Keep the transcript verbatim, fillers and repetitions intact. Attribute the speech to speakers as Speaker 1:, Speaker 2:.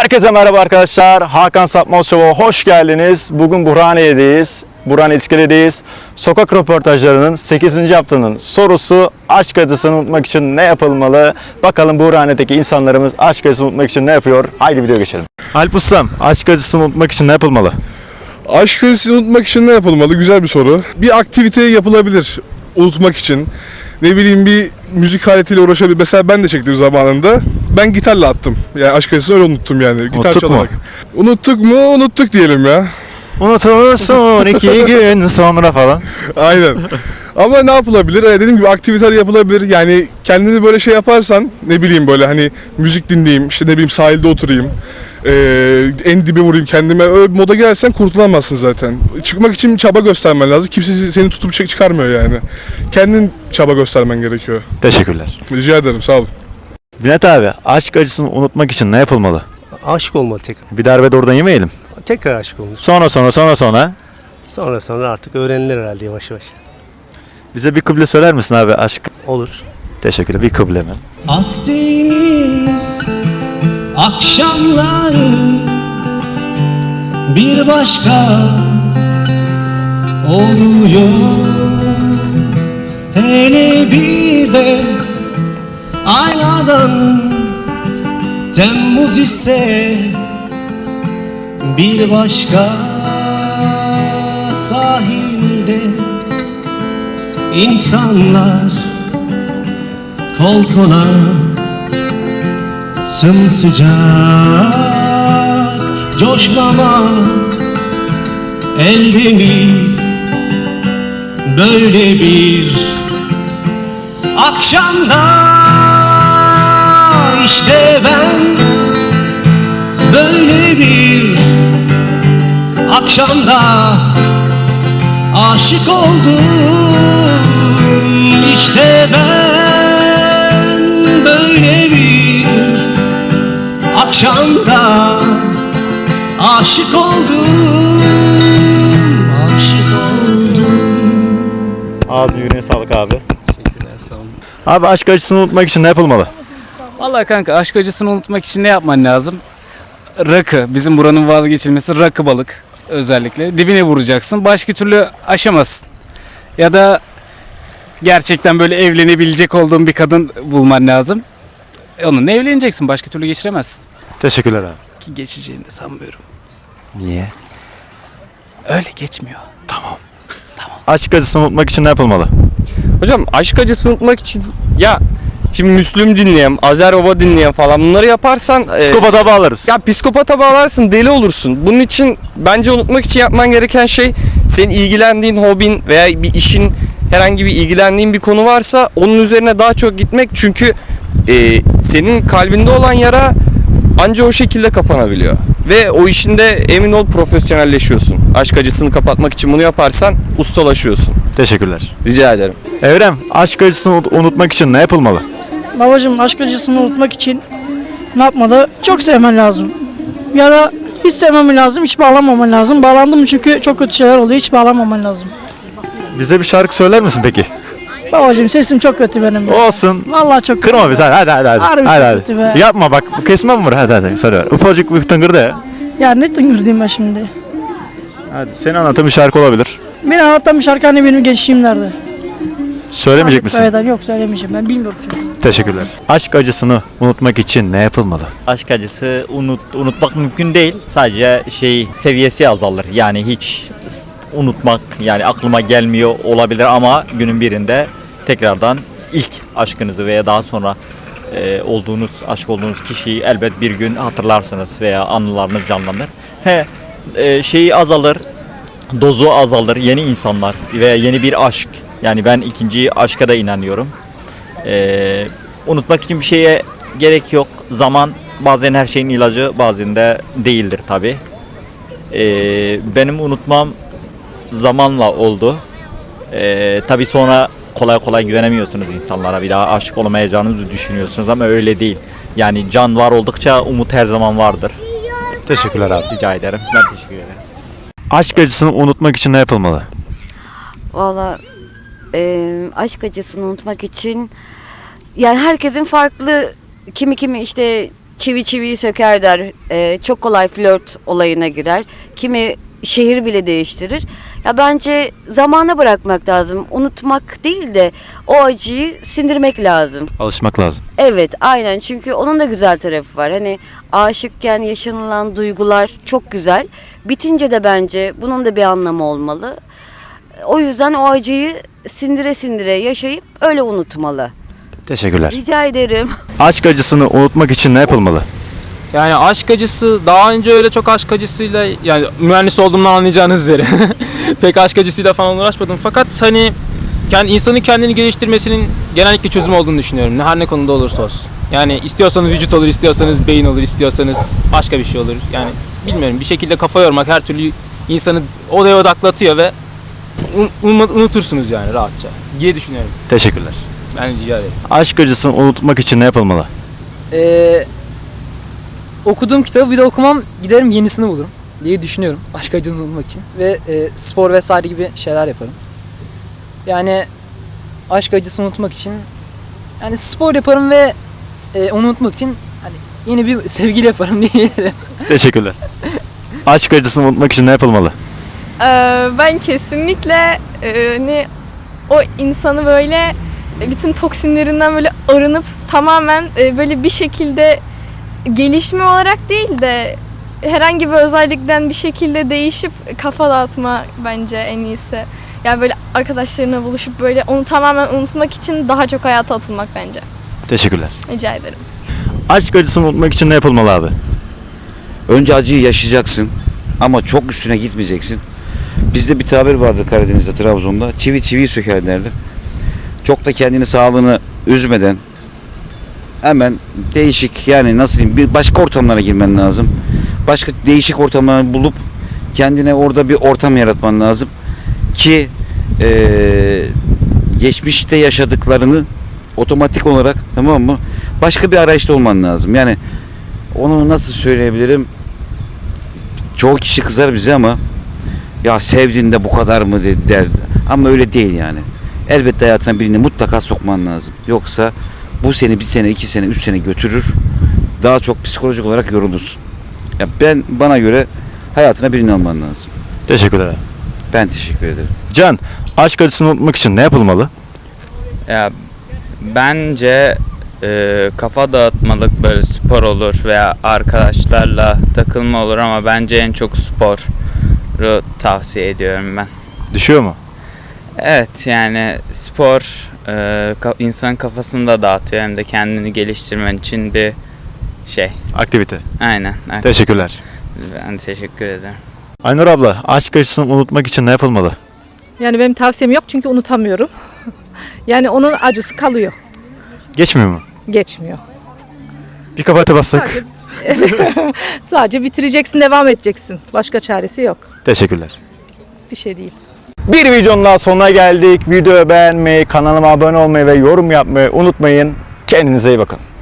Speaker 1: Herkese merhaba arkadaşlar. Hakan Sapmaz Show'a hoş geldiniz. Bugün Burhaniye'deyiz. Burhaniye İskele'deyiz. Sokak röportajlarının sekizinci haftanın sorusu aşk acısını unutmak için ne yapılmalı? Bakalım Burhaniye'deki insanlarımız aşk acısını unutmak için ne yapıyor? Haydi video geçelim. Alp Ustam, aşk acısını unutmak için ne yapılmalı?
Speaker 2: Aşk acısını unutmak için ne yapılmalı? Güzel bir soru. Bir aktivite yapılabilir unutmak için. Ne bileyim bir müzik aletiyle uğraşabilir. Mesela ben de çektim zamanında. Ben gitarla attım. Yani aşk acısını öyle unuttum yani. Gitar
Speaker 1: Unuttuk
Speaker 2: çalarak.
Speaker 1: mu?
Speaker 2: Unuttuk mu? Unuttuk diyelim ya.
Speaker 1: Unutulursun iki gün sonra falan.
Speaker 2: Aynen. Ama ne yapılabilir? Ee, dediğim gibi aktiviteler yapılabilir. Yani kendini böyle şey yaparsan ne bileyim böyle hani müzik dinleyeyim, işte ne bileyim sahilde oturayım. Ee, en dibe vurayım kendime. Öyle bir moda girersen kurtulamazsın zaten. Çıkmak için çaba göstermen lazım. Kimse seni tutup çek çıkarmıyor yani. Kendin çaba göstermen gerekiyor.
Speaker 1: Teşekkürler.
Speaker 2: Rica ederim, sağ olun.
Speaker 1: Binet abi, aşk acısını unutmak için ne yapılmalı?
Speaker 3: Aşık olmalı tekrar.
Speaker 1: Bir darbe de oradan yemeyelim.
Speaker 3: Tekrar aşık olunur.
Speaker 1: Sonra sonra sonra sonra.
Speaker 3: Sonra sonra artık öğrenilir herhalde yavaş yavaş.
Speaker 1: Bize bir kıble söyler misin abi aşk?
Speaker 3: Olur.
Speaker 1: Teşekkürler. Bir kıble mi?
Speaker 4: Akdeniz akşamları bir başka oluyor. Hele bir de aynadan Temmuz ise bir başka sahilde insanlar kol kola sımsıcak coşmamak elde mi böyle bir akşamda işte ben böyle bir akşamda aşık oldum işte ben böyle bir akşamda aşık oldum aşık oldum.
Speaker 1: Ağzı yüreğine sağlık abi.
Speaker 3: Teşekkürler, sağ olun.
Speaker 1: Abi aşk acısını unutmak için ne yapılmalı?
Speaker 5: Vallahi kanka aşk acısını unutmak için ne yapman lazım? Rakı. Bizim buranın vazgeçilmesi rakı balık özellikle. Dibine vuracaksın. Başka türlü aşamazsın. Ya da gerçekten böyle evlenebilecek olduğun bir kadın bulman lazım. Onunla evleneceksin. Başka türlü geçiremezsin.
Speaker 1: Teşekkürler abi.
Speaker 5: Ki geçeceğini de sanmıyorum.
Speaker 1: Niye?
Speaker 5: Öyle geçmiyor.
Speaker 1: Aşk acısını unutmak için ne yapılmalı?
Speaker 6: Hocam aşk acısı unutmak için ya şimdi Müslüm dinleyen, Azer Baba dinleyen falan bunları yaparsan e,
Speaker 1: Psikopata bağlarız.
Speaker 6: ya psikopata bağlarsın, deli olursun. Bunun için bence unutmak için yapman gereken şey senin ilgilendiğin hobin veya bir işin herhangi bir ilgilendiğin bir konu varsa onun üzerine daha çok gitmek çünkü e, senin kalbinde olan yara anca o şekilde kapanabiliyor. Ve o işinde emin ol profesyonelleşiyorsun. Aşk acısını kapatmak için bunu yaparsan ustalaşıyorsun.
Speaker 1: Teşekkürler.
Speaker 6: Rica ederim.
Speaker 1: Evrem, aşk acısını unut- unutmak için ne yapılmalı?
Speaker 7: Babacığım aşk acısını unutmak için ne yapmalı? Çok sevmen lazım. Ya da hiç sevmemen lazım, hiç bağlanmaman lazım. Bağlandım çünkü çok kötü şeyler oluyor, hiç bağlanmaman lazım.
Speaker 1: Bize bir şarkı söyler misin peki?
Speaker 7: Babacığım sesim çok kötü benim.
Speaker 1: Olsun.
Speaker 7: Vallahi çok kötü.
Speaker 1: Kırma bizi hadi hadi hadi.
Speaker 7: Harbi
Speaker 1: hadi,
Speaker 7: çok
Speaker 1: hadi.
Speaker 7: kötü be.
Speaker 1: Yapma bak bu kesme mi var? Hadi hadi söyle. Ufacık bir tıngırdı ya.
Speaker 7: Ya ne tıngırdayım ben şimdi.
Speaker 1: Hadi seni anlatan bir şarkı olabilir.
Speaker 7: Beni anlatan bir şarkı hani benim gençliğimlerde.
Speaker 1: Söylemeyecek misin?
Speaker 7: Söyledim, yok söylemeyeceğim ben bilmiyorum çünkü.
Speaker 1: Teşekkürler. Aşk acısını unutmak için ne yapılmalı?
Speaker 8: Aşk acısı unut, unutmak mümkün değil. Sadece şey seviyesi azalır. Yani hiç s- unutmak yani aklıma gelmiyor olabilir ama günün birinde tekrardan ilk aşkınızı veya daha sonra e, olduğunuz aşk olduğunuz kişiyi elbet bir gün hatırlarsınız veya anılarınız canlanır. He e, şeyi azalır, dozu azalır. Yeni insanlar veya yeni bir aşk. Yani ben ikinci aşka da inanıyorum. E, unutmak için bir şeye gerek yok. Zaman bazen her şeyin ilacı, bazen de değildir tabi. Ee, benim unutmam zamanla oldu. Ee, tabi sonra kolay kolay güvenemiyorsunuz insanlara. Bir daha aşık olamayacağınızı düşünüyorsunuz ama öyle değil. Yani can var oldukça umut her zaman vardır.
Speaker 1: Teşekkürler abi.
Speaker 8: Rica ederim. Ben teşekkür ederim.
Speaker 1: Aşk acısını unutmak için ne yapılmalı?
Speaker 9: Valla e, aşk acısını unutmak için yani herkesin farklı kimi kimi işte çivi çiviyi söker der. Ee, çok kolay flört olayına girer. Kimi şehir bile değiştirir. Ya bence zamana bırakmak lazım. Unutmak değil de o acıyı sindirmek lazım.
Speaker 1: Alışmak lazım.
Speaker 9: Evet, aynen. Çünkü onun da güzel tarafı var. Hani aşıkken yaşanılan duygular çok güzel. Bitince de bence bunun da bir anlamı olmalı. O yüzden o acıyı sindire sindire yaşayıp öyle unutmalı.
Speaker 1: Teşekkürler.
Speaker 9: Rica ederim.
Speaker 1: Aşk acısını unutmak için ne yapılmalı?
Speaker 10: Yani aşk acısı daha önce öyle çok aşk acısıyla yani mühendis olduğumdan anlayacağınız üzere pek aşk acısıyla falan uğraşmadım fakat hani kendi insanın kendini geliştirmesinin genellikle çözüm olduğunu düşünüyorum. Her ne konuda olursa olsun. Yani istiyorsanız vücut olur, istiyorsanız beyin olur, istiyorsanız başka bir şey olur. Yani bilmiyorum bir şekilde kafa yormak her türlü insanı odaya odaklatıyor ve un- unutursunuz yani rahatça diye düşünüyorum.
Speaker 1: Teşekkürler.
Speaker 10: Ben rica ederim.
Speaker 1: Aşk acısını unutmak için ne yapılmalı?
Speaker 11: Ee, okuduğum kitabı bir de okumam, giderim yenisini bulurum diye düşünüyorum aşk acını unutmak için ve e, spor vesaire gibi şeyler yaparım. Yani aşk acısını unutmak için yani spor yaparım ve e, onu unutmak için hani yeni bir sevgili yaparım diye.
Speaker 1: Teşekkürler. Aşk acısını unutmak için ne yapılmalı?
Speaker 12: Ee, ben kesinlikle e, hani o insanı böyle bütün toksinlerinden böyle arınıp tamamen e, böyle bir şekilde gelişme olarak değil de herhangi bir özellikten bir şekilde değişip kafa dağıtma bence en iyisi. Yani böyle arkadaşlarına buluşup böyle onu tamamen unutmak için daha çok hayata atılmak bence.
Speaker 1: Teşekkürler.
Speaker 12: Rica ederim.
Speaker 1: Aşk acısını unutmak için ne yapılmalı abi?
Speaker 13: Önce acıyı yaşayacaksın ama çok üstüne gitmeyeceksin. Bizde bir tabir vardı Karadeniz'de, Trabzon'da. Çivi çiviyi söker derler. Çok da kendini, sağlığını üzmeden hemen değişik, yani nasıl diyeyim, bir başka ortamlara girmen lazım. Başka değişik ortamları bulup kendine orada bir ortam yaratman lazım ki ee, geçmişte yaşadıklarını otomatik olarak, tamam mı, başka bir arayışta olman lazım. Yani onu nasıl söyleyebilirim? Çoğu kişi kızar bize ama ya sevdiğinde bu kadar mı der. Ama öyle değil yani. Elbette hayatına birini mutlaka sokman lazım. Yoksa bu seni bir sene, iki sene, üç sene götürür. Daha çok psikolojik olarak yorulursun. Ya ben, bana göre hayatına birini alman lazım.
Speaker 1: Teşekkürler abi.
Speaker 13: Ben teşekkür ederim.
Speaker 1: Can, aşk acısını unutmak için ne yapılmalı?
Speaker 14: Ya bence e, kafa dağıtmalık böyle spor olur veya arkadaşlarla takılma olur ama bence en çok sporu tavsiye ediyorum ben.
Speaker 1: Düşüyor mu?
Speaker 14: Evet, yani spor e, ka- insanın kafasını da dağıtıyor hem de kendini geliştirmen için bir şey.
Speaker 1: Aktivite.
Speaker 14: Aynen. aktivite.
Speaker 1: Teşekkürler.
Speaker 14: Ben teşekkür ederim.
Speaker 1: Aynur abla, aşk acısını unutmak için ne yapılmalı?
Speaker 7: Yani benim tavsiyem yok çünkü unutamıyorum. Yani onun acısı kalıyor.
Speaker 1: Geçmiyor mu?
Speaker 7: Geçmiyor.
Speaker 1: Bir kapata bassak.
Speaker 7: Sadece bitireceksin, devam edeceksin. Başka çaresi yok.
Speaker 1: Teşekkürler.
Speaker 7: Bir şey değil.
Speaker 1: Bir videonun daha sonuna geldik. Videoyu beğenmeyi, kanalıma abone olmayı ve yorum yapmayı unutmayın. Kendinize iyi bakın.